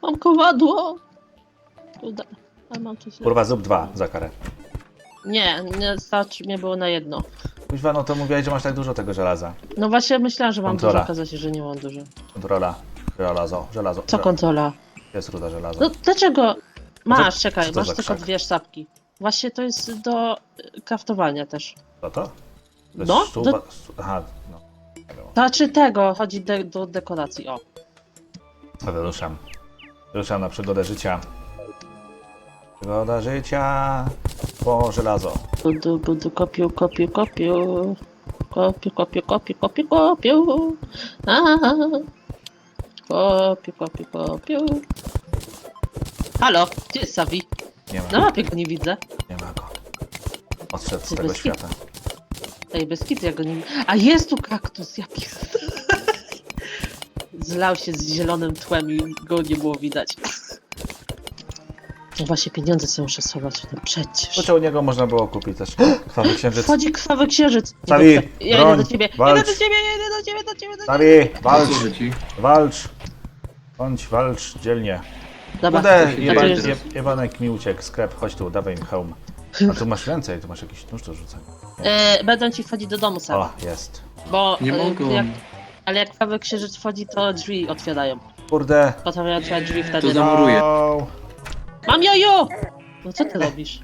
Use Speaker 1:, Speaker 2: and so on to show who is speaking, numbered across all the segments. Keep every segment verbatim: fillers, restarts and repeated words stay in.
Speaker 1: Mam kowadło! Kurde, ale mam coś.
Speaker 2: Kurwa, zrób dwa za karę.
Speaker 1: Nie, nie starczy mnie było na jedno.
Speaker 2: Kuźwa, no to mówiłeś, że masz tak dużo tego żelaza.
Speaker 1: No właśnie myślałam, że mam
Speaker 2: Kontrola.
Speaker 1: dużo, okazało się, że nie mam dużo.
Speaker 2: Kontrola. Żelazo, żelazo.
Speaker 1: Co kontrola?
Speaker 2: Jest ruda żelazo.
Speaker 1: No dlaczego? Masz,
Speaker 2: co
Speaker 1: czekaj,
Speaker 2: to
Speaker 1: masz
Speaker 2: za
Speaker 1: tylko
Speaker 2: krzak?
Speaker 1: dwie sztabki. Właśnie to jest do y, kraftowania też.
Speaker 2: Co to? To jest
Speaker 1: No,
Speaker 2: sztuba...
Speaker 1: do-
Speaker 2: stu- Aha, no. Nie wiem.
Speaker 1: Znaczy tego, chodzi de do dekoracji, o.
Speaker 2: Dobra, ruszam. Ruszam na przygodę życia. Przygoda życia po żelazo.
Speaker 1: Budu, budu, kopiu, kopiu, kopiu. Kopiu, kopiu, kopiu, kopiu, kopiu. Aha. Kopiu, kopiu, kopiu. Halo, gdzie jest Savi?
Speaker 2: Nie ma,
Speaker 1: Na mapie go nie widzę.
Speaker 2: nie ma go. Odszedł z
Speaker 1: Ty
Speaker 2: tego
Speaker 1: bez
Speaker 2: świata.
Speaker 1: Ej, bez kitu, ja go nie widzę. A jest tu kaktus, ja pierdolę. Zlał się z zielonym tłem i go nie było widać. No właśnie, pieniądze sobie muszę schować, no przecież.
Speaker 2: To czy u niego można było kupić też krwawy księżyc.
Speaker 1: Wchodzi krwawy księżyc. Nie
Speaker 2: Savi,
Speaker 1: dobrze. Ja
Speaker 2: broń,
Speaker 1: idę do ciebie,
Speaker 2: walcz.
Speaker 1: idę do ciebie, idę do ciebie, do ciebie, do ciebie.
Speaker 2: Savi, walcz,
Speaker 3: Co ci?
Speaker 2: walcz. Bądź, walcz dzielnie.
Speaker 1: Dobra,
Speaker 2: Kurde,
Speaker 3: to
Speaker 2: jeba,
Speaker 3: jest-
Speaker 2: je, jebanek mi uciekł, sklep, chodź tu, dawaj mi hełm. A tu masz więcej, tu masz jakiś nóż do rzucenia.
Speaker 1: e, będą ci wchodzić do domu sam,
Speaker 2: O, jest.
Speaker 1: bo
Speaker 3: Nie
Speaker 1: e,
Speaker 3: mogą.
Speaker 1: jak, ale jak krwawy księżyc wchodzi, to drzwi otwierają.
Speaker 2: Kurde.
Speaker 1: Potem ja otwieram drzwi
Speaker 3: To
Speaker 1: wtedy.
Speaker 3: za- Zamuruję.
Speaker 2: O,
Speaker 1: Mam jojo! No co ty robisz?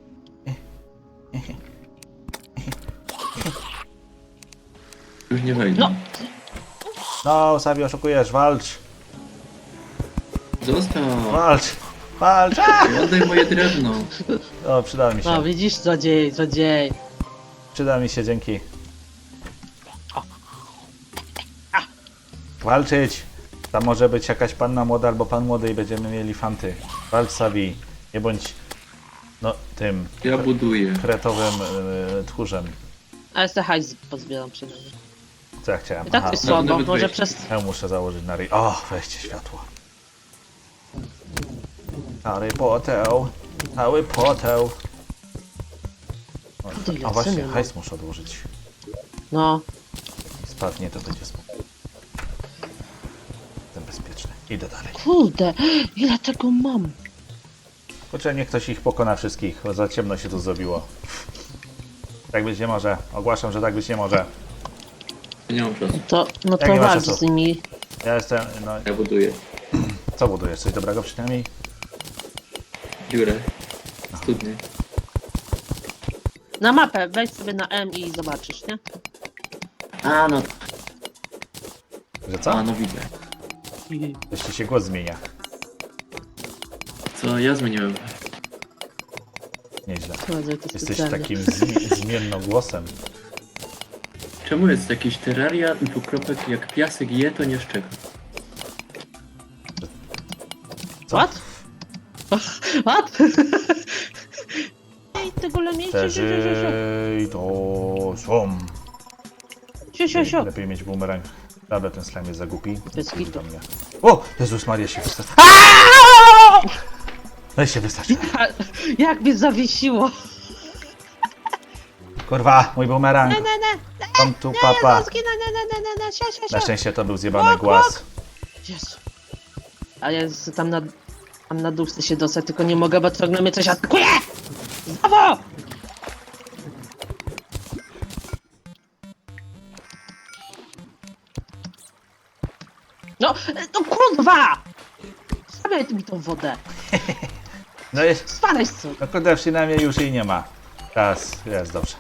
Speaker 3: Już nie wejdę.
Speaker 1: No.
Speaker 2: No, Savi, oszukujesz, walcz,
Speaker 3: Zostaw!
Speaker 2: walcz, walcz. A!
Speaker 3: Oddaj moje drewno.
Speaker 2: O, przyda mi
Speaker 1: No
Speaker 2: się,
Speaker 1: widzisz, złodziej, złodziej.
Speaker 2: przyda mi się, dzięki.
Speaker 1: O.
Speaker 2: Walczyć. Tam może być jakaś panna młoda albo pan młody i będziemy mieli fanty. Walcz, Savi, nie bądź, no, tym
Speaker 3: Ja buduję.
Speaker 2: kretowym y, tchórzem.
Speaker 1: Ale te hajs pozbieram przynajmniej.
Speaker 2: Co ja chciałem?
Speaker 1: I tak
Speaker 2: Aha,
Speaker 1: to jest słabo,
Speaker 3: nawet
Speaker 1: może
Speaker 3: wejść.
Speaker 1: przez...
Speaker 2: ja muszę założyć na ryj. O, weźcie światło. Harry Potter, Harry Potter. O,
Speaker 1: Ty,
Speaker 2: a właśnie,
Speaker 1: Jacyny, no.
Speaker 2: hajs muszę odłożyć.
Speaker 1: No,
Speaker 2: Spadnie, to będzie spoko. Jestem bezpieczny. Idę dalej.
Speaker 1: kurde, ile tego mam?
Speaker 2: Kurczę, niech ktoś ich pokona wszystkich, bo za ciemno się tu zrobiło. Tak być nie może. Ogłaszam, że tak być nie może.
Speaker 3: Ja nie mam czasu.
Speaker 1: To, no
Speaker 2: Jak
Speaker 1: to
Speaker 2: nie ma
Speaker 1: walcz
Speaker 2: czasu?
Speaker 1: z nimi.
Speaker 2: Ja jestem, no,
Speaker 3: Ja buduję.
Speaker 2: co budujesz? Coś dobrego przynajmniej?
Speaker 3: Dziurę. Studnię.
Speaker 1: Na mapę, wejdź sobie na M i zobaczysz, nie?
Speaker 3: A no.
Speaker 2: Że co?
Speaker 3: A no widzę.
Speaker 2: Jeszcze się głos zmienia.
Speaker 3: Co ja zmieniłem?
Speaker 2: Nieźle.
Speaker 1: Prowadzę to
Speaker 2: Jesteś
Speaker 1: specjalnie.
Speaker 2: takim zmi- zmiennogłosem.
Speaker 3: Czemu jest jakieś terraria dwukropek jak piasek je to nie szczeka?
Speaker 2: Co?
Speaker 1: What? What? Ej, tego lemiecie, siu, siu, siu, siu.
Speaker 2: Przeżyj to są.
Speaker 1: Siu, siu, siu.
Speaker 2: Lepiej mieć bumerang. Dobra, ten slime jest za głupi.
Speaker 1: Bez
Speaker 2: Chodź
Speaker 1: kitu.
Speaker 2: do mnie. O! Jezus Maria się wystarczy. No i się wystarczy.
Speaker 1: A, jak mnie zawiesiło.
Speaker 2: Kurwa, mój bumerang.
Speaker 1: Ne, ne, ne,
Speaker 2: Kom tu papa.
Speaker 1: ne, zginę, ne, ne, ne, ne, ne, siu, siu,
Speaker 2: Na
Speaker 1: siu.
Speaker 2: szczęście to był zjebany głaz.
Speaker 1: Jezu. A ja z- tam na, tam na dół chcę się dostać, tylko nie mogę, bo ciągle mnie coś atakuje! Znowu! No, no kurwa! Stawiaj mi tą wodę.
Speaker 2: No jest.
Speaker 1: Spadaj stąd.
Speaker 2: No kurde, przynajmniej już jej nie ma. Teraz jest dobrze.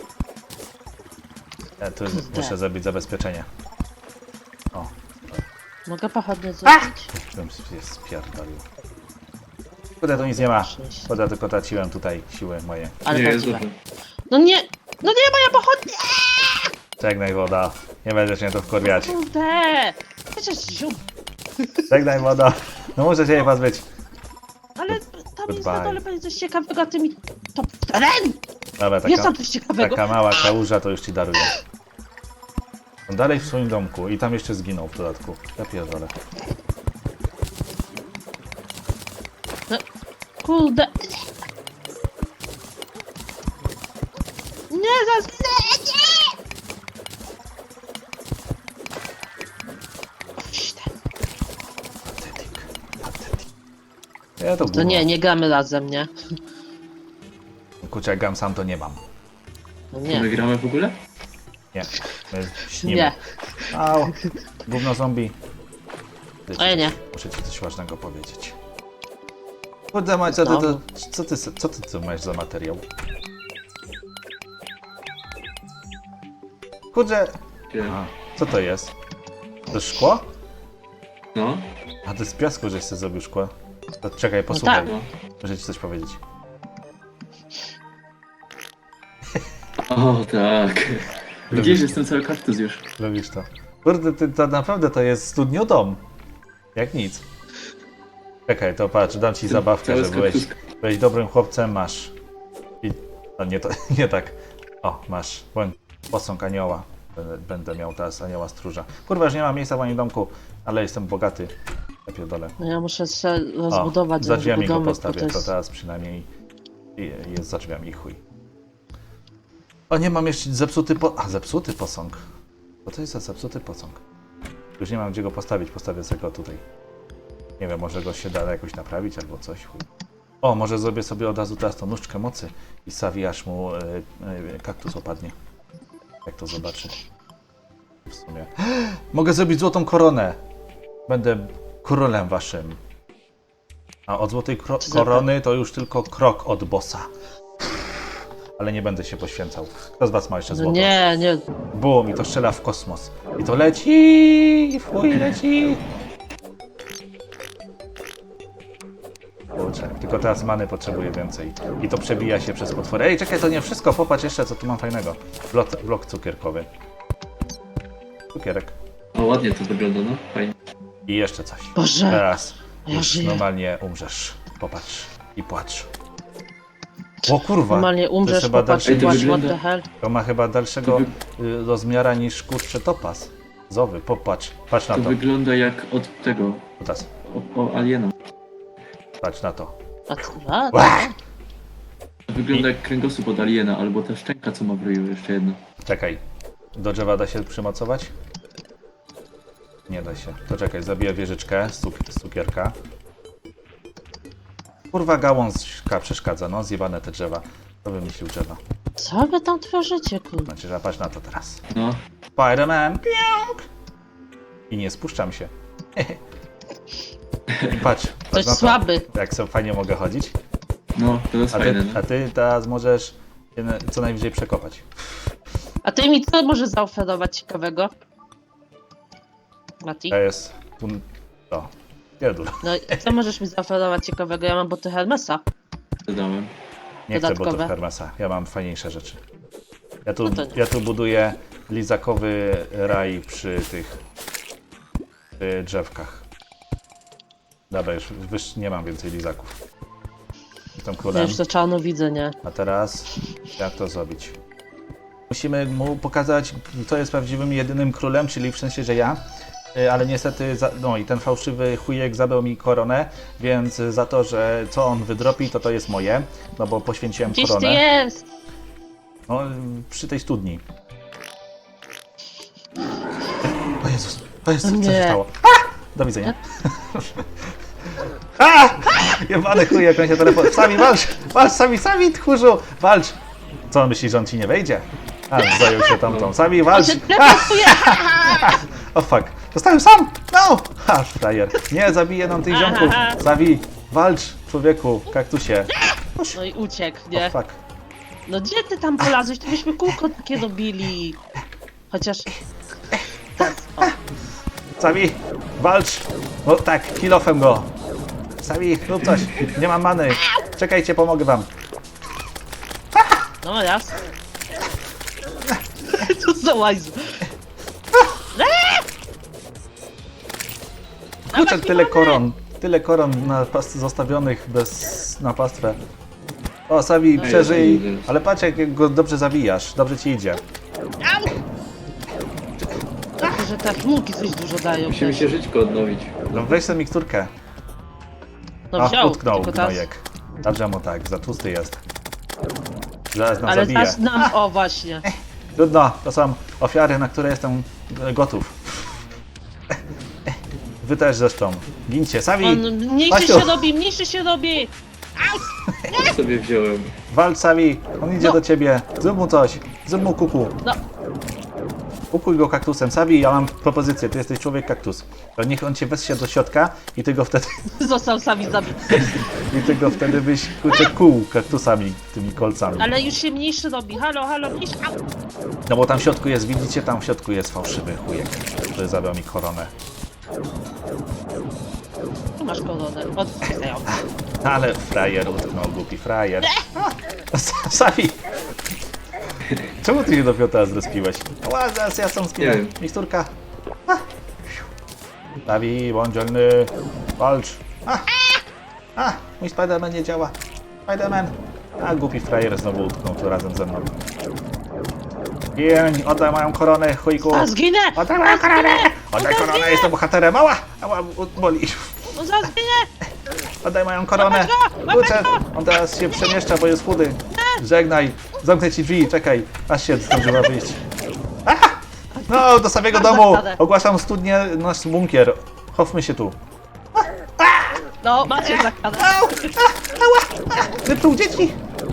Speaker 2: Ja tu
Speaker 1: Kurde.
Speaker 2: muszę zrobić zabezpieczenie. O,
Speaker 1: Mogę pochodnie zrobić?
Speaker 2: bym się spierdolił. Kurde, tu nic nie ma. Kurde, tylko traciłem tutaj siły moje.
Speaker 1: Ale
Speaker 3: nie, jest
Speaker 1: prawdziwe.
Speaker 3: dobrze.
Speaker 1: No nie! No nie, moja pochodnia!
Speaker 2: Żegnaj woda. Nie będziesz mnie tu wkurwiać.
Speaker 1: Kurde! Przecież zium.
Speaker 2: Żegnaj woda. No muszę się jej pozbyć.
Speaker 1: Ale tam jest na
Speaker 2: Goodbye.
Speaker 1: dole będzie coś ciekawego, a ty mi... To teren!
Speaker 2: Dobra,
Speaker 1: Jest
Speaker 2: taka,
Speaker 1: tam coś ciekawego.
Speaker 2: taka mała kałuża to już ci daruję. On dalej w swoim domku i tam jeszcze zginął w dodatku. Ja pierdolę.
Speaker 1: No, kurde. Nie, zaraz... Nie, nie! Oś, ten.
Speaker 2: Patetyk. Patetyk. Ja to,
Speaker 1: To nie, nie gramy razem, nie?
Speaker 2: Kurczę, jak gram sam, to nie mam.
Speaker 1: No
Speaker 3: To my
Speaker 1: nie.
Speaker 3: gramy w ogóle?
Speaker 2: Nie, my śnimy.
Speaker 1: Nie.
Speaker 2: Au, gówno zombie.
Speaker 1: A ja nie.
Speaker 2: Muszę ci coś ważnego powiedzieć. Kurde, mać, co ty, to, co ty, co ty tu masz za materiał? Kurde,
Speaker 3: Gdzie?
Speaker 2: a, co to jest? To jest szkło?
Speaker 3: No.
Speaker 2: A to z piasku, żeś sobie zrobił szkło. To czekaj, posłuchaj.
Speaker 1: tak.
Speaker 3: No.
Speaker 2: Muszę ci coś powiedzieć.
Speaker 3: O tak. Widzisz, jestem cały kaktus już.
Speaker 2: Lubisz to. Kurde, ty, to naprawdę to jest studniodom. Jak nic. Czekaj, to patrz, dam ci zabawkę,
Speaker 3: Cały
Speaker 2: że byłeś,
Speaker 3: kaktus.
Speaker 2: byłeś dobrym chłopcem, masz. I, no nie, to, nie tak. O, masz błęd, posąg anioła. Będę, będę miał teraz anioła stróża. Kurwa, już nie ma miejsca w moim domku, ale jestem bogaty. Ja pierdolę.
Speaker 1: No ja muszę się
Speaker 2: O,
Speaker 1: rozbudować
Speaker 2: za drzwiami go
Speaker 1: domek, bo
Speaker 2: postawię,
Speaker 1: to
Speaker 2: to
Speaker 1: jest...
Speaker 2: teraz przynajmniej jest za drzwiami, chuj. O, nie mam jeszcze zepsuty po... A, zepsuty posąg. Co to jest za zepsuty posąg? Już nie mam gdzie go postawić, postawię sobie go tutaj. Nie wiem, może go się da jakoś naprawić albo coś, chuj. O, może zrobię sobie od razu teraz tą nóżkę mocy i sawi aż mu e, e, kaktus opadnie. Jak to zobaczy. W sumie. Mogę zrobić złotą koronę. Będę królem waszym. A od złotej kro-
Speaker 1: Co za-
Speaker 2: korony to już tylko krok od bossa. Ale nie będę się poświęcał. Kto z was ma jeszcze
Speaker 1: No
Speaker 2: złoto?
Speaker 1: nie, nie.
Speaker 2: Bum, i to strzela w kosmos. I to leci! Fuj, leci! Kurczę, tylko teraz many potrzebuję więcej. I to przebija się przez potwory. Ej, czekaj, to nie wszystko. Popatrz jeszcze, co tu mam fajnego. Blok, blok cukierkowy. Cukierek.
Speaker 3: O, ładnie to wygląda, no. Fajnie.
Speaker 2: I jeszcze coś.
Speaker 1: Boże,
Speaker 2: Teraz
Speaker 1: ja
Speaker 2: już
Speaker 1: żyję.
Speaker 2: normalnie umrzesz. Popatrz i płacz. O kurwa!
Speaker 1: Normalnie
Speaker 2: to
Speaker 1: umrzesz,
Speaker 2: chyba
Speaker 1: popatrz
Speaker 2: dalszy-
Speaker 1: i
Speaker 3: Ej, to
Speaker 1: płacz, what
Speaker 3: wygląda-
Speaker 1: the hell.
Speaker 2: To ma chyba dalszego y, rozmiara niż kurczę topas. Zowy, popatrz. Patrz na
Speaker 3: To
Speaker 2: to.
Speaker 3: wygląda jak od tego,
Speaker 2: Teraz.
Speaker 3: o, o aliena.
Speaker 2: Patrz na to.
Speaker 1: A co? A,
Speaker 2: Ła!
Speaker 3: To wygląda jak kręgosłup od aliena, albo ta szczęka, co ma w ryju, jeszcze jedna.
Speaker 2: Czekaj. Do drzewa da się przymocować? Nie da się. To czekaj, zabiję wieżyczkę z, cuk- z cukierka. Kurwa, gałązka przeszkadza, no. Zjebane te drzewa. To wymyślił drzewa.
Speaker 1: Co wy tam tworzycie, kurde?
Speaker 2: Znaczy, że patrz na to teraz.
Speaker 3: No.
Speaker 2: Spider-Man! Piąk! I nie spuszczam się. Patrz.
Speaker 1: Coś
Speaker 2: patrz na to.
Speaker 1: słaby.
Speaker 2: Jak sobie fajnie mogę chodzić.
Speaker 3: No, to jest
Speaker 2: A
Speaker 3: fajne,
Speaker 2: ty,
Speaker 3: no.
Speaker 2: a ty teraz możesz się na- co najwyżej przekopać.
Speaker 1: A ty mi co możesz zaoferować ciekawego? Mati?
Speaker 2: To jest... un- To. Pierdol.
Speaker 1: No i co możesz mi zaoferować ciekawego? Ja mam buty Hermesa.
Speaker 3: Dodałem.
Speaker 2: Nie chcę
Speaker 1: Dodatkowe.
Speaker 2: butów Hermesa. Ja mam fajniejsze rzeczy. Ja tu,
Speaker 1: No to nie.
Speaker 2: ja tu buduję lizakowy raj przy tych przy drzewkach. Dobra, już, już nie mam więcej lizaków. Jestem
Speaker 1: Ja
Speaker 2: królem.
Speaker 1: już to czarno widzę, nie?
Speaker 2: A teraz jak to zrobić? Musimy mu pokazać, kto jest prawdziwym jedynym królem, czyli w sensie, że ja. Y, Ale niestety, za, no i ten fałszywy chujek zabrał mi koronę, więc za to, że co on wydropi, to to jest moje, no bo poświęciłem
Speaker 1: Gdzieś ty
Speaker 2: koronę.
Speaker 1: jest!
Speaker 2: No, przy tej studni. O Jezus, o Jezus, co się
Speaker 1: Nie.
Speaker 2: stało? A! Do widzenia. A! Jebany chuj, jak on się telefon... Sami walcz! Walcz, sami, sami, tchórzu! Walcz! Co on myśli, że on ci nie wejdzie? A, zajął się tamtą. Sami,
Speaker 1: On
Speaker 2: walcz!
Speaker 1: się teleportuje!
Speaker 2: O fuck, zostałem sam! No! Ha, frajer. Nie, zabije nam tych ziomków. Sami, walcz, człowieku, kaktusie.
Speaker 1: No i uciekł,
Speaker 2: O
Speaker 1: nie?
Speaker 2: fuck.
Speaker 1: No gdzie ty tam polazłeś? To byśmy kółko takie robili. Chociaż... Tak, o.
Speaker 2: Sami, walcz! No tak, kilofem go! Sami, rób coś! Nie mam many! Czekajcie, pomogę wam!
Speaker 1: No raz. Co za łajzu?
Speaker 2: Kurczę, tyle koron! Tyle koron na pas- zostawionych bez na pastwę. O, Sawi, przeżyj! Ale patrz, jak go dobrze zawijasz. Dobrze ci idzie.
Speaker 1: Tylko, że te chmurki coś dużo dają.
Speaker 3: Musimy
Speaker 1: też.
Speaker 3: się żyćko odnowić.
Speaker 2: No weź sobie miksturkę.
Speaker 1: No
Speaker 2: Ach,
Speaker 1: wziął,
Speaker 2: utknął
Speaker 1: tylko teraz...
Speaker 2: gnojek. Dobrze mu tak, za tłusty jest. Zaraz nas
Speaker 1: Ale
Speaker 2: zabije.
Speaker 1: zaś nam... O, właśnie.
Speaker 2: Trudno, to są ofiary, na które jestem e, gotów. wy też zresztą. Gincie, Savi!
Speaker 1: On mniejszy
Speaker 2: Basiu!
Speaker 1: się robi, mniejszy się robi!
Speaker 3: Ja sobie wziąłem.
Speaker 2: Walcz, Savi! On idzie
Speaker 1: No.
Speaker 2: do ciebie. Zrób mu coś. Zrób mu kuku.
Speaker 1: No,
Speaker 2: Ukuj go kaktusem. Savi, ja mam propozycję. Ty jesteś człowiek kaktus. To niech on cię weźmie do środka i ty go wtedy,
Speaker 1: został sami zabity.
Speaker 2: i ty go wtedy byś kurczę kół kaktusami, tymi kolcami.
Speaker 1: Ale już się mniejszy robi. Halo, halo, mniejszy. Au!
Speaker 2: No bo tam w środku jest, widzicie, tam w środku jest fałszywy chujek, który zabrał mi koronę.
Speaker 1: Tu masz koronę. Odstają.
Speaker 2: Ale frajer utknął, głupi frajer. Savi! Czemu ty się dopiero teraz zrespiłeś? Ła, zaraz ja sam
Speaker 3: Nie
Speaker 2: zginę.
Speaker 3: wiem.
Speaker 2: Miksturka. Savi, bądź dzielny. Walcz. A! A! Mój Spiderman nie działa. Spiderman. A, głupi frajer znowu utknął tu razem ze mną. Gień, oddaj moją koronę, chujku.
Speaker 1: A, zginę!
Speaker 2: Oddaj moją koronę! Oddaj koronę, jestem bohaterem. Ała! Ała, boli.
Speaker 1: No zaraz zginę!
Speaker 2: Oddaj moją koronę!
Speaker 1: Łapać go!
Speaker 2: Kurczę, on teraz się przemieszcza, bo jest chudy. Żegnaj, zamknę ci drzwi, czekaj, aż się zdążyła wyjść. Aha! No, do samego domu! Ogłaszam studnię, nasz bunkier. Chowmy się tu.
Speaker 1: No, macie zakazane.
Speaker 2: Au! Ała! Wypluł dzieci!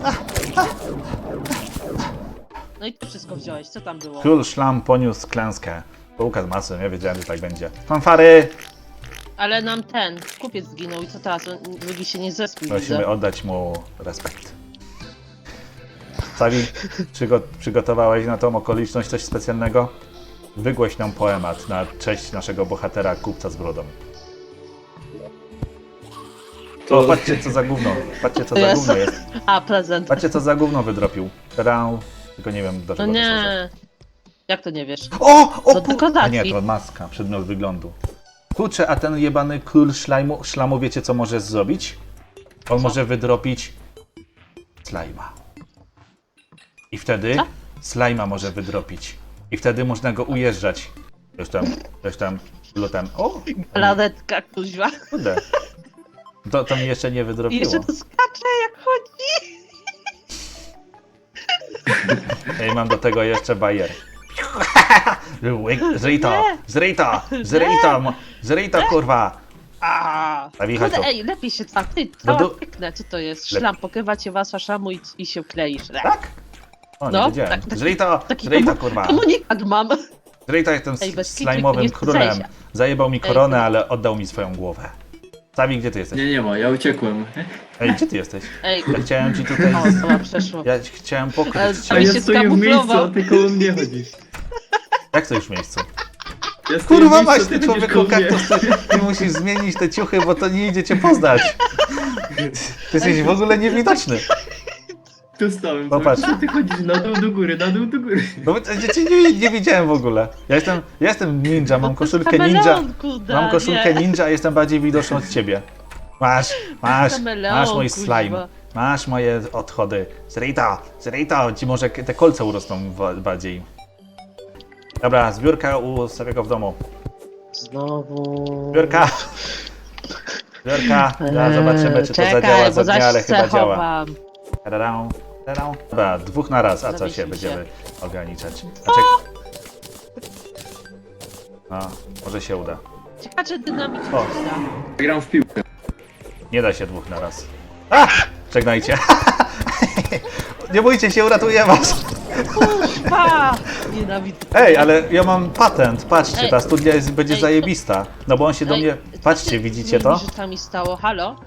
Speaker 1: No i ty wszystko wziąłeś, co tam było?
Speaker 2: Król Szlam poniósł klęskę. Bułka z masłem, ja wiedziałem, że tak będzie. Fanfary!
Speaker 1: Ale nam ten, kupiec zginął i co teraz? Drugi się nie zespił,
Speaker 2: Musimy
Speaker 1: widzę.
Speaker 2: oddać mu respekt. Savi, przygo przygotowałeś na tą okoliczność coś specjalnego? Wygłoś nam poemat na cześć naszego bohatera, kupca z brodą.
Speaker 3: To-
Speaker 2: O, patrzcie co za gówno, patrzcie co za
Speaker 1: Jest.
Speaker 2: gówno jest.
Speaker 1: A, prezent.
Speaker 2: Patrzcie co za gówno wydropił. Tadam. Tylko nie wiem
Speaker 1: No
Speaker 2: dlaczego to służy.
Speaker 1: nie. Jak to nie wiesz?
Speaker 2: O! O!
Speaker 1: To
Speaker 2: pu-
Speaker 1: dekoracji.
Speaker 2: A nie, to maska, przedmiot wyglądu. Kurczę, a ten jebany król szlajmu, szlamu wiecie co może zrobić? On
Speaker 1: Co?
Speaker 2: może wydropić slajma. I wtedy
Speaker 1: Co?
Speaker 2: slajma może wydropić. I wtedy można go ujeżdżać. Coś tam, coś tam, lutem. O!
Speaker 1: Planetka, kuźwa.
Speaker 2: Kurde. To, to mi jeszcze nie
Speaker 1: I
Speaker 2: wydropiło.
Speaker 1: jeszcze to skacze jak chodzi.
Speaker 2: I mam do tego jeszcze bajer. Zryj to! Zryj to! Zryj to! mo- Zryj to, kurwa!
Speaker 1: A,
Speaker 2: Savi, chodź
Speaker 1: kurde,
Speaker 2: tu.
Speaker 1: ej, lepiej się tak. Ty,
Speaker 2: No
Speaker 1: cała
Speaker 2: do-
Speaker 1: piękne, co to jest?
Speaker 2: Lep-
Speaker 1: Szlam, pokrywa cię wasza szamu i, i się kleisz.
Speaker 2: Tak? O, nie
Speaker 1: No,
Speaker 2: wiedziałem.
Speaker 1: tak, taki-
Speaker 2: Zryj to!
Speaker 1: Taki
Speaker 2: Zryj to,
Speaker 1: komu-
Speaker 2: kurwa!
Speaker 1: komunikat mam.
Speaker 2: Zryj to, jestem
Speaker 1: Ej,
Speaker 2: s-
Speaker 1: bez kitu,
Speaker 2: slajmowym
Speaker 1: nie chcę
Speaker 2: królem.
Speaker 1: zejść.
Speaker 2: Zajebał mi
Speaker 1: Ej,
Speaker 2: koronę,
Speaker 1: to-
Speaker 2: ale oddał mi swoją głowę. Savi, gdzie ty jesteś?
Speaker 3: Nie, nie ma, ja uciekłem.
Speaker 2: Ej, gdzie ty jesteś?
Speaker 1: Ej,
Speaker 2: Ja chciałem ci tutaj...
Speaker 1: o, to przeszło.
Speaker 2: Ja ci chciałem
Speaker 1: Ale-
Speaker 2: pokryć
Speaker 3: A
Speaker 1: Ale
Speaker 2: cię.
Speaker 3: ja
Speaker 1: się
Speaker 3: stoję w miejscu,
Speaker 1: skamuflował.
Speaker 3: a ty koło mnie chodzisz.
Speaker 2: Jak to już w miejscu?
Speaker 3: Ja stoję
Speaker 2: Kurwa
Speaker 3: w miejscu,
Speaker 2: masz,
Speaker 3: a
Speaker 2: ty
Speaker 3: ty chodzisz
Speaker 2: człowieku
Speaker 3: koło mnie.
Speaker 2: kaktus, ty, ty musisz zmienić te ciuchy, bo to nie idzie cię poznać. Ty jesteś w ogóle niewidoczny.
Speaker 3: Tu stałem.
Speaker 2: Popatrz.
Speaker 3: Co ty chodzisz na dół do góry, na dół do góry.
Speaker 2: No bo ja cię nie, nie widziałem w ogóle. Ja jestem, ja jestem ninja, mam
Speaker 1: No to jest
Speaker 2: koszulkę ninja.
Speaker 1: kameleon, kurde,
Speaker 2: Mam koszulkę
Speaker 1: nie.
Speaker 2: ninja, a jestem bardziej widoczny od ciebie. Masz, masz,
Speaker 1: Kameleon,
Speaker 2: masz mój
Speaker 1: kuźwa.
Speaker 2: slime. Masz moje odchody. Zryj to, zryj to, ci może te kolce urosną wa- bardziej. Dobra, zbiórka u Saviego w domu.
Speaker 1: Znowu...
Speaker 2: Zbiórka! Zbiórka! Ja zobaczymy, czy to
Speaker 1: Czekaj,
Speaker 2: zadziała
Speaker 1: bo
Speaker 2: za dnia, ale chyba
Speaker 1: zaś
Speaker 2: działa.
Speaker 1: chowam.
Speaker 2: Tadadam, tadadam. Dobra, dwóch na raz, a co
Speaker 1: Zawiesił
Speaker 2: się
Speaker 1: się.
Speaker 2: będziemy ograniczać? A czek... No, może się uda.
Speaker 1: Ciekawe, czy dynamit
Speaker 2: O.
Speaker 3: Gram w piłkę.
Speaker 2: Nie da się dwóch na raz. A! Żegnajcie. Nie bójcie się, uratuję was.
Speaker 1: Kuźwa! Nienawidzę.
Speaker 2: Ej, ale ja mam patent, patrzcie,
Speaker 1: Ej.
Speaker 2: ta studnia jest, będzie
Speaker 1: Ej, to-
Speaker 2: zajebista. No bo on się do
Speaker 1: Ej,
Speaker 2: mnie...
Speaker 1: co
Speaker 2: Patrzcie,
Speaker 1: się
Speaker 2: widzicie
Speaker 1: z
Speaker 2: to?
Speaker 1: moimi rzeczami stało? Halo?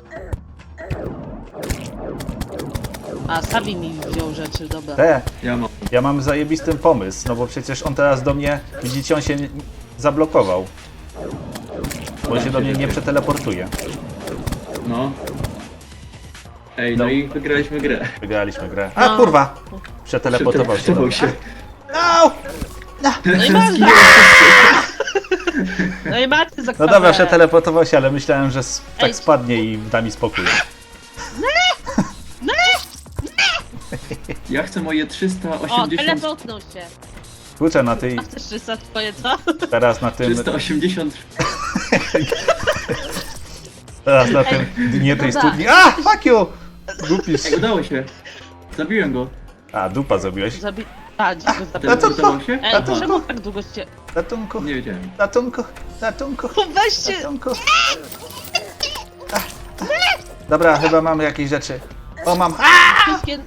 Speaker 1: A, Savi mi wziął rzeczy, dobra.
Speaker 2: Te,
Speaker 3: Ja mam.
Speaker 2: ja mam zajebisty pomysł, no bo przecież on teraz do mnie, widzicie, on się nie- zablokował. Bo on się do mnie nie przeteleportuje.
Speaker 3: No. Ej,
Speaker 2: No.
Speaker 3: no, i wygraliśmy grę.
Speaker 2: Wygraliśmy grę. A
Speaker 1: No.
Speaker 2: kurwa! Przeteleportował się do mnie.
Speaker 3: się.
Speaker 2: Au!
Speaker 1: No i masz! No i macie za
Speaker 2: No dobra, przeteleportował się, ale myślałem, że s- tak
Speaker 1: Ej.
Speaker 2: spadnie i da mi spokój.
Speaker 3: Ja chcę moje trzysta
Speaker 1: O,
Speaker 3: osiemdziesiąt...
Speaker 1: teleportnął się.
Speaker 2: Kurczę, na tej,
Speaker 1: A chcesz trzysta twoje, co?
Speaker 2: teraz na tym,
Speaker 3: trzysta osiemdziesiąt...
Speaker 2: teraz na tym dnie tej
Speaker 1: Dobra.
Speaker 2: studni. A, fuck you! Głupisz.
Speaker 3: Ej, udało się. Zabiłem go.
Speaker 2: A, dupa zrobiłeś.
Speaker 1: Zabi... A, dziś go
Speaker 2: No
Speaker 1: zabiłem.
Speaker 2: to
Speaker 3: Teleportował się?
Speaker 1: Ej, to czemu tak długo się...
Speaker 2: Ratunku,
Speaker 3: Nie wiedziałem.
Speaker 2: ratunku, ratunku,
Speaker 1: Weźcie!
Speaker 2: ratunku. Ach, ach. Dobra, chyba mam jakieś rzeczy. O, mam. A!
Speaker 1: Wszystkie...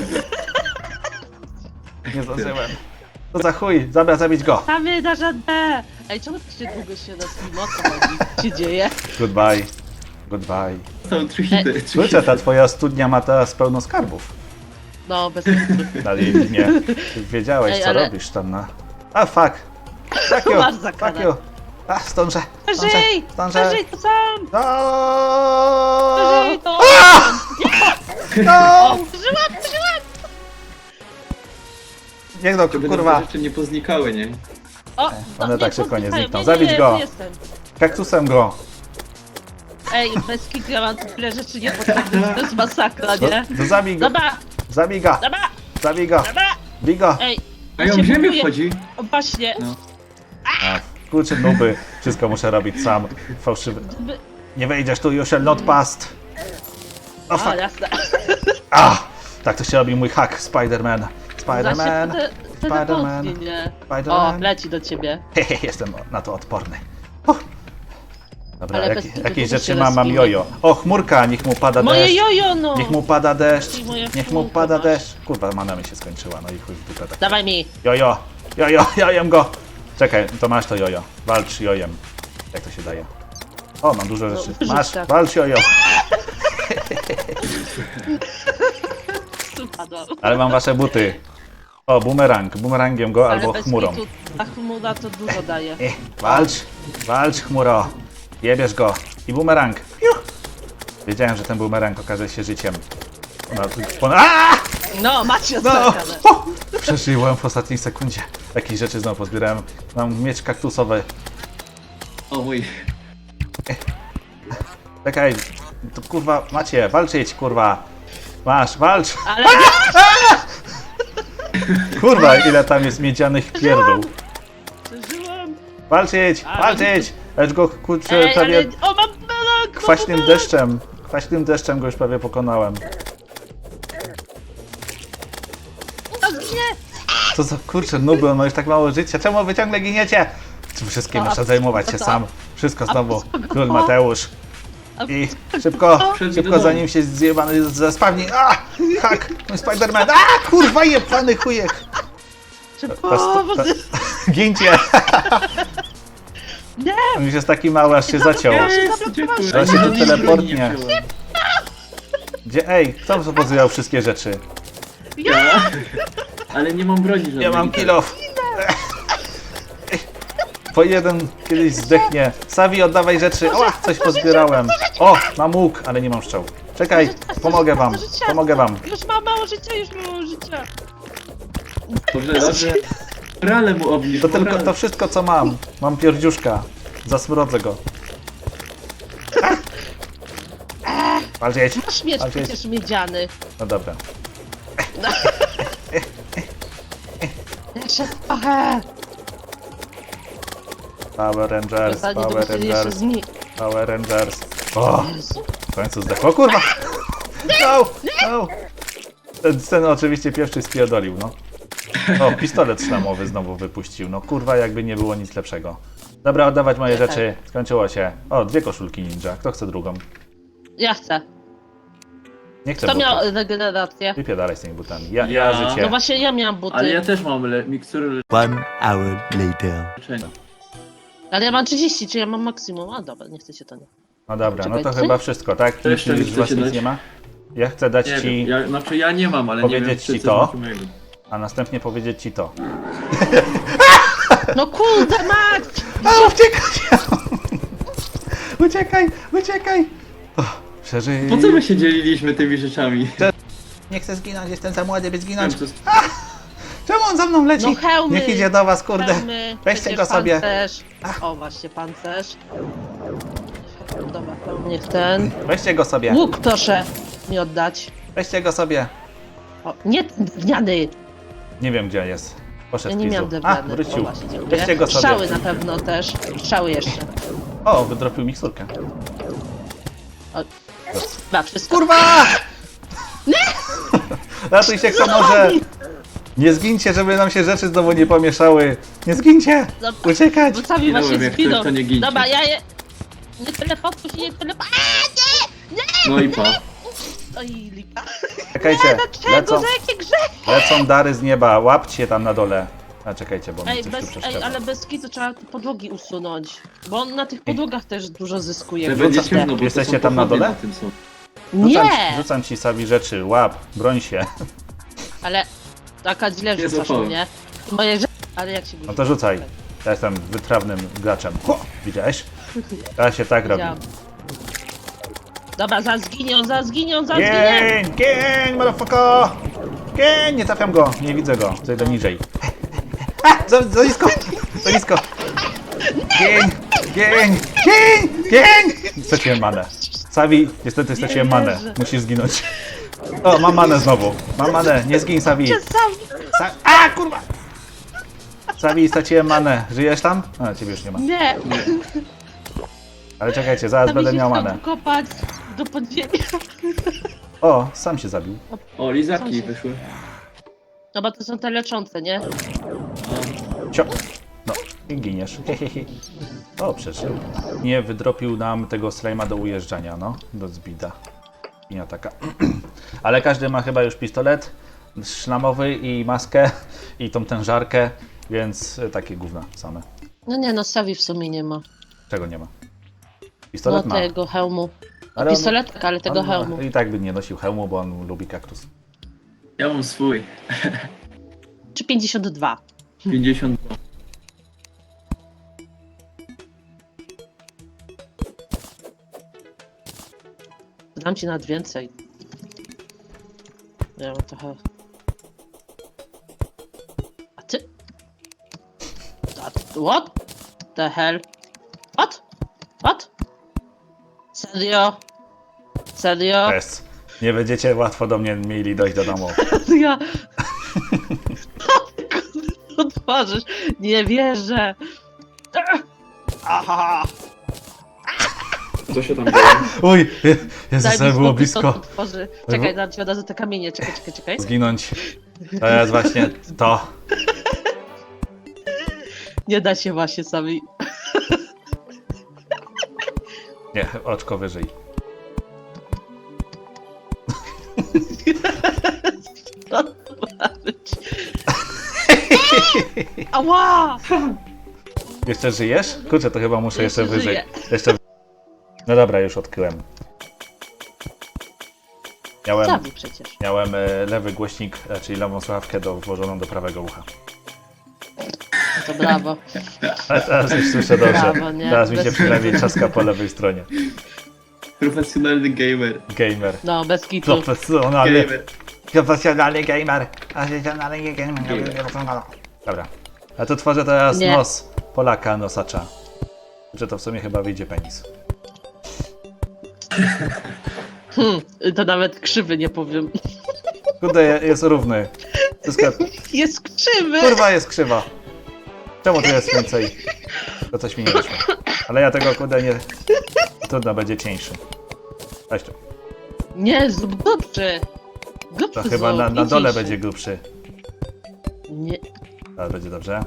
Speaker 2: Nie zdążyłem. To za chuj, dobra, zabić go.
Speaker 1: Samy na żadne! Ej, czemu tak się długo się nas mimo co chodzi? Co się dzieje?
Speaker 2: Goodbye. Goodbye.
Speaker 3: Są trzy hity. trzy
Speaker 2: Słyszę,
Speaker 3: hity.
Speaker 2: ta twoja studnia ma teraz pełno skarbów.
Speaker 1: No, bez kitu.
Speaker 2: Na linie. Wiedziałeś,
Speaker 1: Ej,
Speaker 2: co
Speaker 1: ale-
Speaker 2: robisz tam na... A, fuck. Fuck you,
Speaker 1: Masz
Speaker 2: fuck
Speaker 1: zakładać.
Speaker 2: you. A, zdążę, zdążę,
Speaker 1: Przeżyj!
Speaker 2: zdążę.
Speaker 1: Przeżyj to sam!
Speaker 2: No!
Speaker 1: Przeżyj to!
Speaker 2: No!
Speaker 1: Przeżyłam, przeżyłam!
Speaker 2: Niech no,
Speaker 3: Żeby
Speaker 2: kurwa.
Speaker 3: te rzeczy nie poznikały, nie?
Speaker 1: O,
Speaker 2: one
Speaker 1: no,
Speaker 2: tak szybko nie
Speaker 1: poznikają.
Speaker 2: znikną.
Speaker 1: Nie,
Speaker 2: Zabić
Speaker 1: nie,
Speaker 2: go.
Speaker 1: tu jestem.
Speaker 2: Kaktusem go.
Speaker 1: Ej, bez kitu ja mam tyle rzeczy niepotrzebnych, to jest masakra,
Speaker 2: No,
Speaker 1: nie?
Speaker 2: no zabij go,
Speaker 1: Dobra,
Speaker 2: zabij go,
Speaker 1: dobra,
Speaker 2: zabij go,
Speaker 1: dobra!
Speaker 2: bij go.
Speaker 1: Ej,
Speaker 3: A ją
Speaker 1: się
Speaker 3: w ziemię
Speaker 1: buduje.
Speaker 3: wchodzi.
Speaker 1: O, właśnie,
Speaker 3: No.
Speaker 2: A, kurczę nuby, wszystko muszę robić sam. Fałszywy.
Speaker 1: by...
Speaker 2: Nie wejdziesz tu, you shall not pass. O
Speaker 1: O,
Speaker 2: fuck.
Speaker 1: jasne.
Speaker 2: A! Tak to się robi mój hack, Spider-Man.
Speaker 1: Zaś się
Speaker 2: Spider-Man.
Speaker 1: te-
Speaker 2: Spider-Man.
Speaker 1: telepotnie, nie? O,
Speaker 2: Spider-Man.
Speaker 1: leci do ciebie.
Speaker 2: Hehe, jestem na to odporny. Uff. Dobra,
Speaker 1: Ale
Speaker 2: jak,
Speaker 1: bez kitu
Speaker 2: jakieś
Speaker 1: to
Speaker 2: rzeczy
Speaker 1: się
Speaker 2: mam, mam
Speaker 1: rozwinie.
Speaker 2: jojo. O, chmurka, niech mu pada
Speaker 1: Moje
Speaker 2: deszcz.
Speaker 1: jojo, no!
Speaker 2: Niech mu pada deszcz.
Speaker 1: I moje
Speaker 2: Niech mu
Speaker 1: chmurka
Speaker 2: pada
Speaker 1: masz.
Speaker 2: deszcz. Kurwa, mana mi się skończyła, no i chuj w dupę tak.
Speaker 1: Dawaj mi!
Speaker 2: Jojo, jojo, jojem go. Czekaj, to masz to jojo. Walcz jojem. Jak to się daje? O, mam dużo rzeczy.
Speaker 1: wyrzuć
Speaker 2: Masz,
Speaker 1: tak.
Speaker 2: walcz jojo.
Speaker 1: Spadłam.
Speaker 2: Ale mam wasze buty. O, bumerang. Bumerangiem go albo
Speaker 1: Ale bez
Speaker 2: chmurą.
Speaker 1: kitu, ta chmura to dużo daje.
Speaker 2: Eh, walcz, walcz chmuro. Jebiesz go. I bumerang. Piu. Wiedziałem, że ten bumerang okaże się życiem. No, pon- Aaaa!
Speaker 1: No, macie
Speaker 2: No!
Speaker 1: odskakane.
Speaker 2: O! Przeżyłem w ostatniej sekundzie. Jakieś rzeczy znowu pozbierałem. Mam miecz kaktusowy.
Speaker 3: O mój.
Speaker 2: Czekaj. To kurwa, macie, walczyć, kurwa. Masz, walcz.
Speaker 1: Ale
Speaker 2: Kurwa, ile tam jest miedzianych pierdół.
Speaker 1: przeżyłam.
Speaker 2: Walczyć,
Speaker 1: Ale-
Speaker 2: walczyć. Lecz go, kurczę,
Speaker 1: Ej,
Speaker 2: prawie
Speaker 1: ale... O, mam belek!
Speaker 2: kwaśnym deszczem. Kwaśnym deszczem go już prawie pokonałem.
Speaker 1: Nie!
Speaker 2: Co za kurczę nuby, on ma już tak mało życia. Czemu wy ciągle giniecie? Czy wszystkim
Speaker 1: A,
Speaker 2: muszę
Speaker 1: a
Speaker 2: zajmować
Speaker 1: co
Speaker 2: się
Speaker 1: to?
Speaker 2: sam? Wszystko
Speaker 1: A
Speaker 2: znowu.
Speaker 1: co go?
Speaker 2: Król Mateusz.
Speaker 1: A
Speaker 2: I szybko,
Speaker 3: Przed
Speaker 2: szybko
Speaker 3: wiadomo.
Speaker 2: zanim się zjebany zespawni. A! Hak! Mój Spider-Man! A! Kurwa jebany chujek!
Speaker 1: Szybko,
Speaker 2: To- to-
Speaker 1: bo...
Speaker 2: Gincie!
Speaker 1: Nie!
Speaker 2: On już jest taki mały, aż się zaciął.
Speaker 3: Jest, dziękuję.
Speaker 2: To się tu
Speaker 3: Ani broni
Speaker 2: teleportnie.
Speaker 3: nie wziąłem.
Speaker 2: Gdzie, ej, kto pozywał wszystkie rzeczy?
Speaker 3: Ja? Ale nie mam broni żadnej.
Speaker 2: Ja mam kilof. Po jeden kiedyś zdechnie. Savi, oddawaj rzeczy. Oła, coś pozbierałem. O, mam łuk, ale nie mam strzał. Czekaj, pomogę wam, pomogę wam.
Speaker 1: Już mam mało życia, już mało życia.
Speaker 3: Dobrze, dobrze. Morale mu obniż,
Speaker 2: To tylko,
Speaker 3: morale.
Speaker 2: to wszystko co mam. Mam pierdziuszka. Zasmrodzę go. Walczyć.
Speaker 1: Masz miecz
Speaker 2: Walczyć.
Speaker 1: przecież miedziany.
Speaker 2: No dobra.
Speaker 1: Jeszcze trochę.
Speaker 2: Power Rangers,
Speaker 1: Zanim to
Speaker 2: Power
Speaker 1: musieli jeszcze
Speaker 2: Rangers,
Speaker 1: zni...
Speaker 2: Power Rangers. O,
Speaker 1: Jezu.
Speaker 2: w końcu zdechło. Kurwa! No, no. Ten, ten oczywiście pierwszy spierdolił, no. O, pistolet szlamowy znowu wypuścił. No kurwa, jakby nie było nic lepszego. Dobra, oddawać moje
Speaker 1: Ja tak.
Speaker 2: rzeczy. Skończyło się. O, dwie koszulki ninja. Kto chce drugą?
Speaker 1: Ja chcę.
Speaker 2: Nie chcę
Speaker 1: Kto
Speaker 2: butów.
Speaker 1: miał regenerację?
Speaker 2: Wypiadalaj z tymi butami. Ja, ja,
Speaker 3: Ja.
Speaker 2: życie.
Speaker 1: No właśnie ja miałam buty.
Speaker 3: Ale ja też mam le mikstury
Speaker 4: One hour later.
Speaker 3: leczenia.
Speaker 1: Ale ja mam trzydzieści, czy ja mam maksimum? A dobra, nie chcecie to nie.
Speaker 2: No dobra, no to
Speaker 1: Czekaj, ty?
Speaker 2: chyba wszystko, tak?
Speaker 3: To jeszcze
Speaker 2: Nic
Speaker 3: mi
Speaker 2: z was
Speaker 3: chcecie
Speaker 2: nic
Speaker 3: dać?
Speaker 2: nie ma? Ja chcę dać
Speaker 3: Nie
Speaker 2: ci,
Speaker 3: wiem, ja, znaczy ja nie mam, ale nie wiem,
Speaker 2: powiedzieć
Speaker 3: czy
Speaker 2: ci
Speaker 3: coś
Speaker 2: to?
Speaker 3: macie mojego.
Speaker 2: a następnie powiedzieć ci to.
Speaker 1: No kurde, Max!
Speaker 2: A, uciekaj! Uciekaj, uciekaj! O, przeżyj.
Speaker 3: Po co my się dzieliliśmy tymi rzeczami?
Speaker 2: Nie chcę zginąć, jestem za młody, by
Speaker 3: Nie
Speaker 2: zginąć.
Speaker 3: wiem, co...
Speaker 2: Czemu on za mną leci?
Speaker 1: No hełmy!
Speaker 2: Niech idzie do was, kurde.
Speaker 1: Hełmy,
Speaker 2: Weźcie
Speaker 1: przecież
Speaker 2: go sobie.
Speaker 1: Pancerz. O, właśnie, pancerz. Dobra, to niech ten.
Speaker 2: Weźcie go sobie.
Speaker 1: Łuk proszę mi oddać.
Speaker 2: Weźcie go sobie.
Speaker 1: O, nie drewniany!
Speaker 2: Nie wiem gdzie jest. Poszedł
Speaker 1: Ja nie
Speaker 2: Pizu.
Speaker 1: miałam
Speaker 2: A,
Speaker 1: drewniany. O,
Speaker 2: wrócił.
Speaker 1: właśnie, dziękuję.
Speaker 2: Weźcie go sobie.
Speaker 1: Strzały na pewno też. Strzały jeszcze.
Speaker 2: O, wydropił miksturkę.
Speaker 1: O, chyba wszystko.
Speaker 2: Kurwa! Nie! Ratuj się kto może! Nie zgincie, żeby nam się rzeczy znowu nie pomieszały. Nie zgincie!
Speaker 1: Dobra.
Speaker 2: Uciekać!
Speaker 1: Bo sami
Speaker 3: Minąłem,
Speaker 1: właśnie
Speaker 3: jak ktoś,
Speaker 1: zginą.
Speaker 3: to nie gincie.
Speaker 1: Dobra, ja je... Nie teleportuj się, nie teleportuj.
Speaker 3: No i pa.
Speaker 1: Oj, lipa.
Speaker 2: Czekajcie,
Speaker 1: Dlaczego?
Speaker 2: lecą,
Speaker 1: Za jakie grzechy?
Speaker 2: lecą dary z nieba. Łapcie tam na dole. A czekajcie, bo mi
Speaker 1: Ej,
Speaker 2: coś tu
Speaker 1: bez, ej,
Speaker 2: przeszkadza.
Speaker 1: ale bez kitu trzeba te podłogi usunąć. Bo on na tych podłogach też dużo zyskuje.
Speaker 3: To będzie
Speaker 2: Wrzuca-
Speaker 3: ciemno, bo
Speaker 2: Jesteście
Speaker 3: to są
Speaker 2: tam na
Speaker 3: pochodnie
Speaker 2: dole?
Speaker 3: Na tym są.
Speaker 2: Rzucam,
Speaker 1: Nie!
Speaker 2: rzucam ci sami rzeczy, łap, broń się.
Speaker 1: Ale taka źle
Speaker 3: Nie
Speaker 1: rzucasz
Speaker 3: zapałem.
Speaker 1: mnie. Moje rzeczy... Ale jak się
Speaker 2: No to rzucaj. Ja jestem wytrawnym graczem. Ho! Widziałeś? Teraz się tak robi.
Speaker 1: Widziałam. Dobra, za zginią, za zginią, za zginię!
Speaker 2: Gień! Gień, motherfucker! Gień! Nie trafiam go, nie widzę go. Zejdę niżej. A! Za, za nisko! Za nisko! Gień! Gień! Gień! Gień! Straciłem manę. Savi, niestety straciłem manę.
Speaker 1: wierzę.
Speaker 2: Musisz zginąć. O, mam manę znowu. Mam manę. Nie zgin, Savi.
Speaker 1: Sam...
Speaker 2: Sa A, kurwa! Savi, straciłem manę. Żyjesz tam? A, ciebie już nie ma.
Speaker 1: Nie!
Speaker 2: Ale czekajcie, zaraz
Speaker 1: Tam
Speaker 2: będę
Speaker 1: się
Speaker 2: miał
Speaker 1: chciał
Speaker 2: manę.
Speaker 1: kopać do podziemia.
Speaker 2: O, sam się zabił.
Speaker 3: O, lizaki
Speaker 1: Są się-
Speaker 3: wyszły.
Speaker 1: No bo to są te leczące, nie?
Speaker 2: Cio. No, i giniesz. Hehehe. O, przeżył. Nie wydropił nam tego slajma do ujeżdżania, no. Do zbida. I ataka. Ale każdy ma chyba już pistolet szlamowy i maskę i tą tężarkę, więc y, takie gówna same.
Speaker 1: No nie, no Savi w sumie nie ma.
Speaker 2: Czego nie ma?
Speaker 1: No
Speaker 2: Pistolet ma.
Speaker 1: tego hełmu.
Speaker 2: Ale on-
Speaker 1: Pistolet, tak, ale tego
Speaker 2: on-
Speaker 1: hełmu.
Speaker 2: I tak by nie nosił hełmu, bo on lubi kaktus.
Speaker 3: Ja mam swój.
Speaker 1: Czy pięćdziesiąt dwa?
Speaker 3: pięćdziesiąt dwa.
Speaker 1: Dam ci nawet więcej. Ja mam trochę... A ty? That, what the hell? What? What? Serio? Serio?
Speaker 2: Jest. Nie będziecie łatwo do mnie mieli dojść do domu.
Speaker 1: Ja... Otworzysz. Nie wierzę. Aha.
Speaker 3: Co się tam dzieje?
Speaker 2: Uj, Jezus,
Speaker 1: mi
Speaker 2: było
Speaker 1: spokój,
Speaker 2: blisko.
Speaker 1: to otworzy. Czekaj, dam ci od razu te kamienie. Czekaj, czekaj, czekaj.
Speaker 2: Zginąć. To jest właśnie to.
Speaker 1: Nie da się właśnie sami.
Speaker 2: Nie, oczko wyżej.
Speaker 1: Co to ma być? Ała!
Speaker 2: Jeszcze żyjesz? Kurczę, to chyba muszę jeszcze,
Speaker 1: Jeszcze
Speaker 2: wyżej.
Speaker 1: żyję.
Speaker 2: Jeszcze. No dobra, już odkryłem. Miałem,
Speaker 1: Savi przecież.
Speaker 2: miałem e, lewy głośnik, e, czyli lewą słuchawkę do, włożoną do prawego ucha.
Speaker 1: No to brawo.
Speaker 2: Ale teraz już słyszę dobrze.
Speaker 1: Brawo, nie?
Speaker 2: Teraz mi się
Speaker 1: Bez-
Speaker 2: przynajmniej trzaska po lewej stronie.
Speaker 3: Profesjonalny gamer.
Speaker 2: Gamer.
Speaker 1: No, bez kitu.
Speaker 2: Profesjonalny.
Speaker 3: Gamer.
Speaker 2: Profesjonalny gamer. Profesjonalny gamer. Dobra. A to tworzę teraz
Speaker 1: Nie.
Speaker 2: nos Polaka, nosacza. Że to w sumie chyba wyjdzie penis.
Speaker 1: Hmm, to nawet krzywy nie powiem.
Speaker 2: Kurde, je- jest równy. Wszystko...
Speaker 1: Jest krzywy!
Speaker 2: Kurwa, jest krzywa. Czemu tu jest więcej? To coś mi nie wyszło. Ale ja tego kurde nie... Trudno, będzie cieńszy. Weź to.
Speaker 1: Nie, zrób grubszy.
Speaker 2: To
Speaker 1: Grubszy
Speaker 2: chyba na,
Speaker 1: zrób,
Speaker 2: na
Speaker 1: i
Speaker 2: dole
Speaker 1: cieńszy.
Speaker 2: będzie grubszy.
Speaker 1: Nie.
Speaker 2: Teraz będzie dobrze.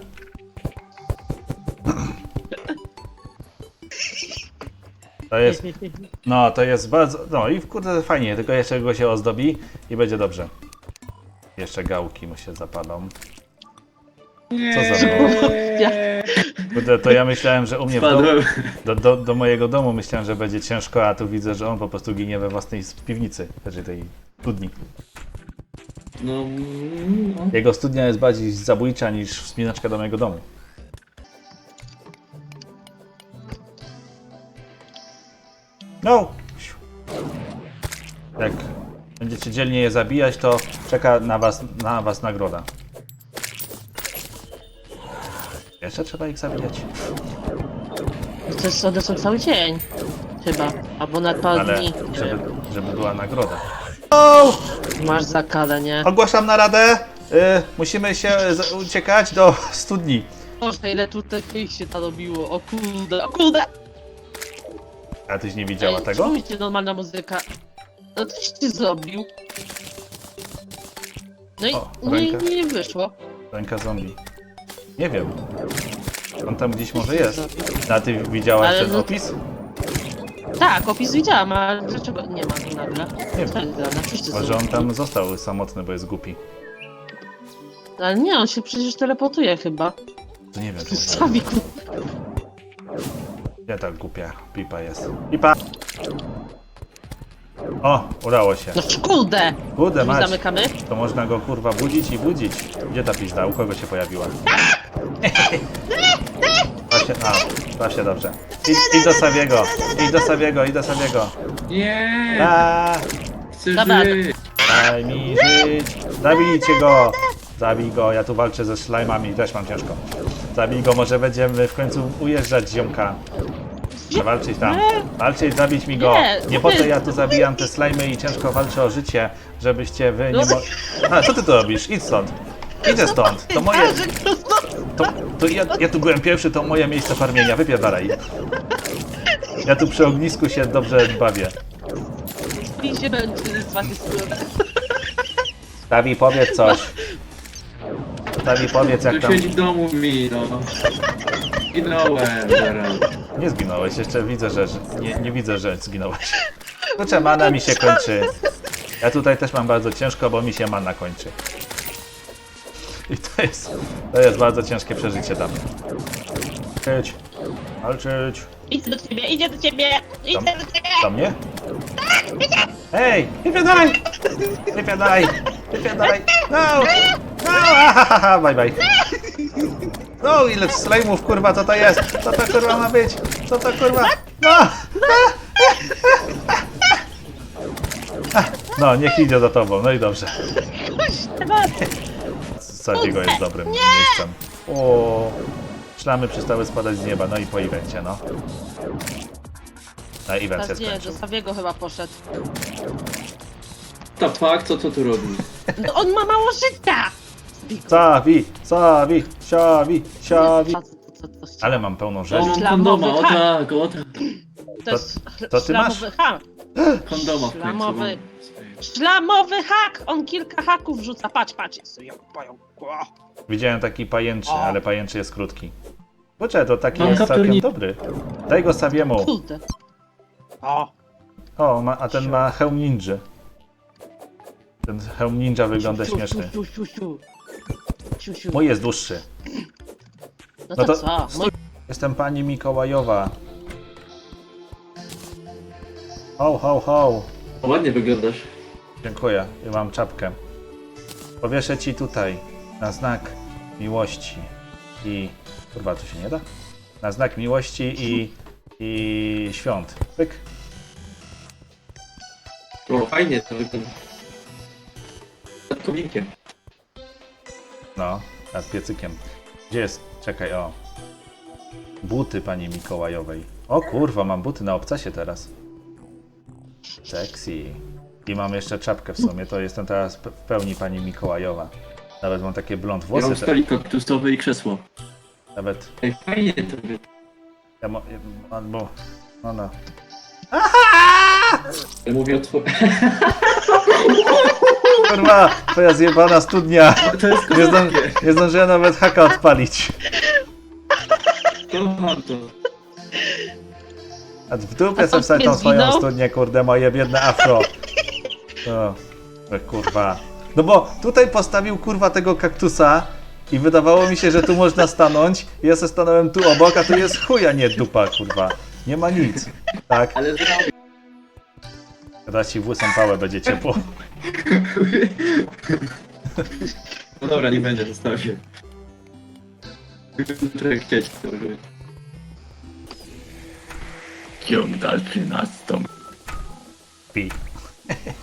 Speaker 2: To jest... No, to jest bardzo... No i kurde fajnie, tylko jeszcze go się ozdobi i będzie dobrze. Jeszcze gałki mu się zapalą. Co za mną?
Speaker 1: Ja,
Speaker 2: Kurde, to ja myślałem, że u mnie w domu...
Speaker 3: Spadłem.
Speaker 2: Do, do, do mojego domu myślałem, że będzie ciężko, a tu widzę, że on po prostu ginie we własnej piwnicy, znaczy tej studni.
Speaker 3: No, mm, no.
Speaker 2: Jego studnia jest bardziej zabójcza niż wspinaczka do mojego domu. No! Jak będziecie dzielnie je zabijać, to czeka na was, na was nagroda. Jeszcze trzeba ich zabijać.
Speaker 1: to jest, one są cały dzień. Chyba. Albo na parę
Speaker 2: Ale
Speaker 1: dni.
Speaker 2: żeby, żeby była nagroda. O!
Speaker 1: Masz zakalę, nie?
Speaker 2: Ogłaszam naradę. Y, musimy się z- uciekać do studni.
Speaker 1: Boże, ile tutaj ich się narobiło. O kurde, o kurde!
Speaker 2: A tyś nie widziała
Speaker 1: Ej,
Speaker 2: tego?
Speaker 1: czemu ci normalna muzyka? No coś ty zrobił. No i
Speaker 2: O,
Speaker 1: nie,
Speaker 2: ręka.
Speaker 1: nie, nie wyszło.
Speaker 2: Ręka zombie. Nie wiem. On tam gdzieś może jest. A ty widziałaś
Speaker 1: Ale
Speaker 2: ten
Speaker 1: no-
Speaker 2: opis?
Speaker 1: Tak, opis widziałam, ale dlaczego nie ma go nagle?
Speaker 2: Nie
Speaker 1: Co jest grane? Wszyscy
Speaker 2: Może
Speaker 1: są.
Speaker 2: on tam został samotny, bo jest głupi.
Speaker 1: Ale nie, on się przecież teleportuje chyba.
Speaker 2: To nie wiem.
Speaker 1: Sami ku...
Speaker 2: Gdzie ta głupia pipa jest? Pipa! O, udało się.
Speaker 1: No kurde!
Speaker 2: Kurde
Speaker 1: Drzwi
Speaker 2: mać,
Speaker 1: zamykamy?
Speaker 2: to można go kurwa budzić i budzić. Gdzie ta pizda? U kogo się pojawiła? Właśnie, a, właśnie dobrze. Idź, idź do Sawiego, idź do Sawiego, idź do Sawiego.
Speaker 3: Nie!
Speaker 2: A,
Speaker 3: Chcę
Speaker 1: Dobra.
Speaker 3: żyć!
Speaker 2: daj mi żyć. Zabijcie go. Zabij go, ja tu walczę ze slajmami, też mam ciężko. Zabij go, może będziemy w końcu ujeżdżać ziomka. Muszę walczyć tam. Walczyć, zabić mi go.
Speaker 1: Nie,
Speaker 2: Nie po co
Speaker 1: nie.
Speaker 2: ja tu zabijam te slajmy i ciężko walczę o życie, żebyście wy nie
Speaker 1: No.
Speaker 2: mo... A, co ty tu robisz? Idź stąd. Idę stąd. To moje... To, to ja, ja tu byłem pierwszy, to moje miejsce farmienia. Wypierdalaj. Ja tu przy ognisku się dobrze bawię.
Speaker 1: I się będzie z waszej strony.
Speaker 2: Tawi, powiedz coś. Tawi, powiedz jak
Speaker 3: Tu
Speaker 2: tam...
Speaker 3: siedzi w domu mi, no. Ginąłem zaraz.
Speaker 2: Nie zginąłeś, jeszcze widzę, że... że nie, nie widzę, że zginąłeś. Kurczę, mana mi się kończy. Ja tutaj też mam bardzo ciężko, bo mi się mana kończy. I to jest... To jest bardzo ciężkie przeżycie dla mnie. Walczyć. Walczyć.
Speaker 1: Idę do ciebie, idzie do ciebie! Idę
Speaker 2: Tam.
Speaker 1: do ciebie!
Speaker 2: Do mnie? Hej! Wypiadaj! Wypiadaj! Wypiadaj! No! No! Ahaha, bye bye. No, ile slajmów, kurwa, co to jest? Co to kurwa ma być? Co to kurwa? No! No, niech idzie za tobą, no i dobrze. Sadziego jest dobrym miejscem. O, szlamy przestały spadać z nieba, no i po evencie, no. No, event się
Speaker 1: Teraz nie,
Speaker 2: skończył.
Speaker 1: do Sawiego chyba poszedł.
Speaker 3: To fuck, co to tu robi?
Speaker 1: No on ma mało życia!
Speaker 2: Sawi, sawi, siawi, siawi.
Speaker 1: Co- co- co- co-
Speaker 2: Ale mam pełną
Speaker 3: O,
Speaker 2: rzecz.
Speaker 3: mam
Speaker 1: Ślamowy
Speaker 3: kondoma, o
Speaker 1: hak.
Speaker 3: tak, o tak.
Speaker 1: To jest
Speaker 2: to ty masz?
Speaker 1: szlamowy hak.
Speaker 3: Kondoma w końcu
Speaker 1: Szlamowy.
Speaker 3: mam.
Speaker 1: Szlamowy hak! On kilka haków rzuca. Patrz, patrz. Jest tu jak pająk. O.
Speaker 2: Widziałem taki pajęczy,
Speaker 1: O.
Speaker 2: ale pajęczy jest krótki. Kurczę, to taki
Speaker 3: Mam
Speaker 2: jest całkiem
Speaker 3: kapturnik.
Speaker 2: dobry. Daj go Sawiemu.
Speaker 1: Kurde. O.
Speaker 2: O, ma, a ten ma hełm ninja. Ten hełm ninja wygląda
Speaker 1: Siu, siu,
Speaker 2: śmieszny.
Speaker 1: siu, siu, siu. Siu, siu.
Speaker 2: Mój jest dłuższy.
Speaker 1: No
Speaker 2: No
Speaker 1: to
Speaker 2: to
Speaker 1: co?
Speaker 2: stój. Jestem pani Mikołajowa. Ho, ho, ho.
Speaker 3: Ładnie wyglądasz.
Speaker 2: Dziękuję, ja mam czapkę. Powieszę ci tutaj na znak miłości i... Kurwa, to się nie da? Na znak miłości i... i świąt. Pyk.
Speaker 3: O, fajnie to wygląda. Nad kominkiem.
Speaker 2: No, nad piecykiem. Gdzie jest? Czekaj, o. Buty pani Mikołajowej. O kurwa, mam buty na obcasie teraz. Sexy. I mam jeszcze czapkę w sumie, to jestem teraz pe- w pełni pani Mikołajowa. Nawet mam takie blond
Speaker 3: Ja
Speaker 2: włosy.
Speaker 3: mam
Speaker 2: te-
Speaker 3: stolik kaktusowy i krzesło.
Speaker 2: Nawet...
Speaker 3: Ej, fajnie to wygląda.
Speaker 2: Ja mo... ja- albo... No no.
Speaker 3: Ja mówię o twoim...
Speaker 2: Kurwa, twoja zjebana studnia.
Speaker 3: To jest
Speaker 2: Nie, zdąży,
Speaker 3: kozackie.
Speaker 2: nie zdążyłem nawet haka odpalić.
Speaker 3: Kocham to.
Speaker 2: A w dupie
Speaker 1: A
Speaker 2: sobie
Speaker 1: on
Speaker 2: wstać
Speaker 1: nie
Speaker 2: tą swoją
Speaker 1: zginął?
Speaker 2: studnię, kurde, moje biedne afro. O, o, kurwa. No bo tutaj postawił, kurwa, tego kaktusa i wydawało mi się, że tu można stanąć. Ja se stanąłem tu obok, a tu jest chuja, nie dupa, kurwa. Nie ma nic. Tak?
Speaker 3: Ale zrobię.
Speaker 2: Teraz ci w łysą pałę będzie ciepło.
Speaker 3: No dobra, nie będzie, zostawię. Trochę chcieć to robić. Ciąg dalszy nastąpi.
Speaker 2: Pi.